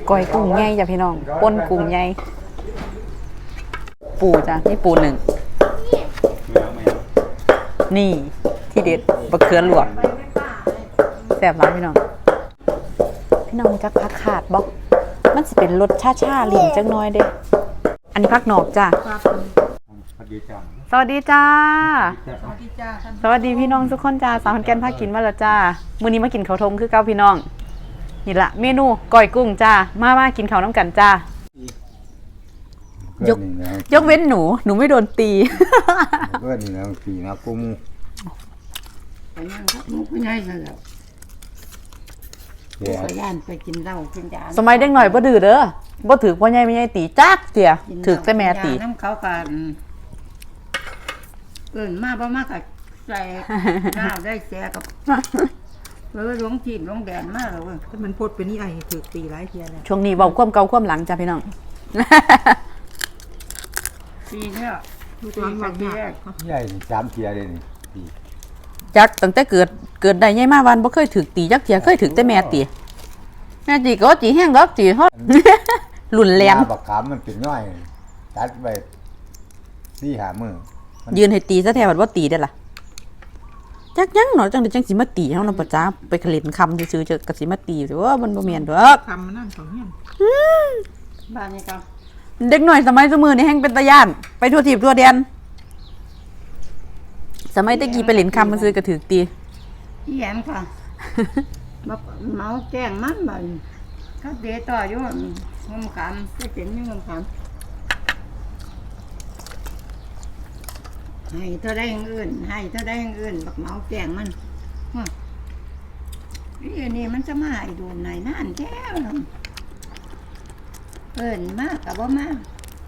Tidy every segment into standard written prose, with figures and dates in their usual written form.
ก้อยกุ้งใหญ่จ้ะพี่น้องป่นกุ้งใหญ่ปูจ้ะนี่ปูหนึ่งนี่ที่เด็ดบะเขือหลวกแซ่บร้านพี่น้องจักพักขาดบอกมันสิเป็นรสชาลิ้นจังน้อยเด้อันนี้พักนอกจ้ะสวัสดีจ้าสวัสดีพี่น้องทุกคนจ้าสาวขอนแก่นพากินมาแล้วจ้ามื้อนี้มากินข้าวทงคือเก่าพี่น้องนี่ละเมนูก้อยกุ้งจ้ามากินข้าวน้ำกันจ้ายกเว้นหนูไม่โดนตีเพื่อนนี่นะตีนะกุ้งไปนั่งพักมุกไม่ได้ซะแล้วไปย่านไปกินเหล้ากินยาสมัยเด็กหน่อยบ่ดื้อเด้อบ่ถือพ่อใหญ่ไม่ใหญ่ตีจักเสียถือแต่แม่ตีน้ำเขากันมาบ่มากกับใส่น้าได้แซ่กับหลวงจีนหลวงแดนมากเลยถ้ามันพดเป็นนี่ไอ้ถือตีหลายเทียเลยช่วงนี้เว้าความเก่าความหลังจ้ะพี่น้องปีเนี่ยลูกหลานว่าใหญ่3 เทียเลยนี่จักตั้งแต่เกิดได้ใหญ่มาวันบ่เคยถือตีจักเทียเคยถือแต่แม่ตีแม่ตีก็ตีแห้งดอกตีฮอดรุ่นแรงบักขามมันเป็นน้อยตัดไป4-5 มื้อยืนให้ตีซะแท้ว่าบ่ตีได้ล่ะจักยังหนอจังได๋จังสิมาตีเฮานำประจ้าไปเล่นคำซื่อๆจะก็สิมาตีสิว่ามันบ่แม่นดอกคำมันนั่นของเฮียนบ้านนี้ก็เด็กน้อยสมัยซุมื้อนี้แฮงเป็นตาย่านไปทั่วทิพย์ทั่วแดนสมัยตะกี้ไปเล่นคำซื่อก็ถูกตีอีหยังค่ะเมาแจ้งมันบ่เขาเดต่ออยู่งมขามไปเป็นอยู่งมขามให้เท่าได้อย่างอื่นบักเมาแกงมันนี่มันจะมาให้ดูไหนนั่นแท้มากกับว่ามาก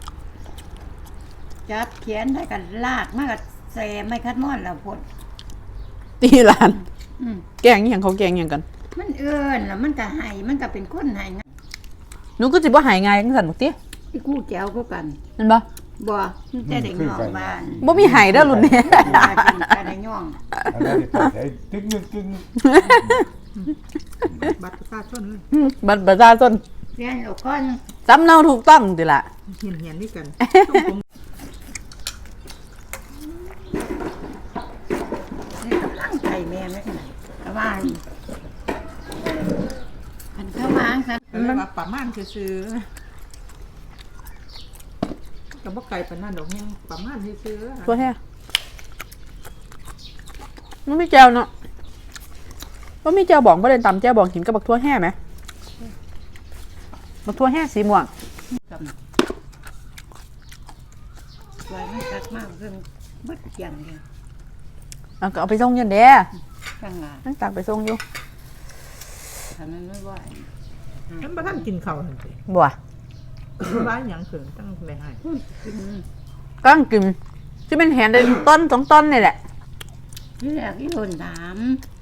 จับเขียนได้กันลากมากกับแซมไม่คัดม้อนแล้วพดตีหลานแกงอย่างเขาแกงอย่างกันมันแล้วมันก็ให้มันก็เป็นคนให้นะหนูก็สิบ่หายง่ายจังซั่นบ่ติที่กู้แก้วก็กันเห็นบ่บ่แต่ได้ย่องบ้านบ่มีหายเด้อรุ่นนี้แต่ได้ย่องอันนั้นได้ตึกบัตรประชาชนเลยบัตรประชาชนเรียนลูกคนสำเนาถูกต้องติล่ะเหียนนี่กันนี่กำลังใจแม่ไม่ขนาดแต่ว่าอันเข้ามาซั่นมันว่าประมาณซื่อก็บ่ไกลปานนั้นดอกยังประมาณซื่อตัวแท้มันไม่แจวเนาะบ่มีแจวบองบ่ได้ตำแจวบองกินกับบักทั่วแห้ไหมบักทั่วแห้สีม่วงสวยมันคักมากเพิ่นบัดเกียงเลยก็เอาไปส่งยันเด้นั่งตักไปส่งอยู่ถ้ามันไม่ไหวมันบ่ทันกินข้าวนั่นสิบ่ร้ายหยังเขินตั้งได้ให้กำลังกินที่เป็นแหนได้ต้น2 ต้นนี่แหละที่แรกที่โดนถาม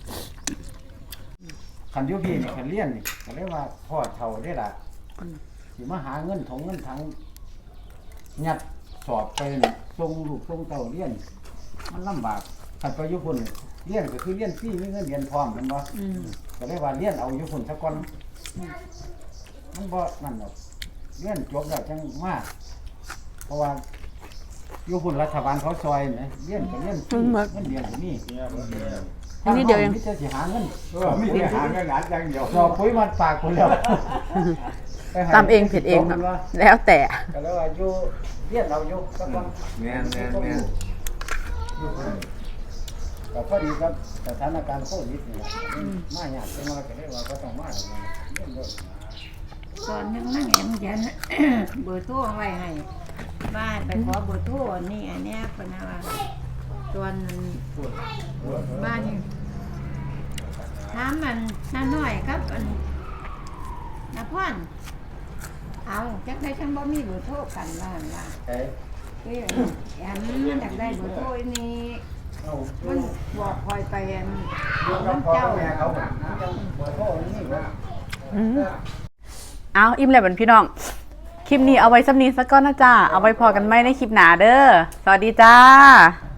คันอยู่พี่นี่คันเรียนนี่ก็เรียกว่าพ่อเฒ่าได้ล่ะสิมาหาเงินถงเงินถังยัดสอบไปส่งลูกส่งเต้าเรียนมันลำบากคันไปอยู่พุ่นเรียนก็คือเรียนฟรีมีเงินเรียนพร้อมแม่นบ่ก็เรียกว่าเรียนเอาอยู่พุ่นซะก่อนมันบ่นั่นดอกเรียนจบแล้วจังมาเพราะว่าอยู่พุ่นรัฐบาลเขาซอยนะเรียนก็เรียนฟรีเงินเรียนก็มีอันนี้เดียวเองมีแต่สิหาเงินมีแต่หาเงินหาอย่างเดียวรอปุ๋ยมันปากคนแล้วตามเองผิดเองแล้วแต่ก็แล้วว่าอยู่เรียนเราอยู่ซะก่อนแม่นก็พอดีครับสถานการณ์โควิดนี่มาหยาดจังว่าก็ได้ว่าก็ต้องมาตอนยังนั่งแอมยันเบอร์โทรเอาไว้ให้บ้านไปขอเบอร์โทรนี่อันเนี้ยเป็นอะไรตอนบ้านนี่ถามมันน้าน้อยครับอันน้าพ่อนเอาจักได้ฉันบ่มีเบอร์โทรกันบ้านล่ะแอมอยากได้เบอร์โทรนี่มันบอกคอยไปอันเจ้าเอาอิ่มแล้วเป็นพี่น้องคลิปนี้เอาไว้ซ้ำนี้สักก้อนนะจ้าเอาไว้พอกันไหมในคลิปหนาเด้อสวัสดีจ้า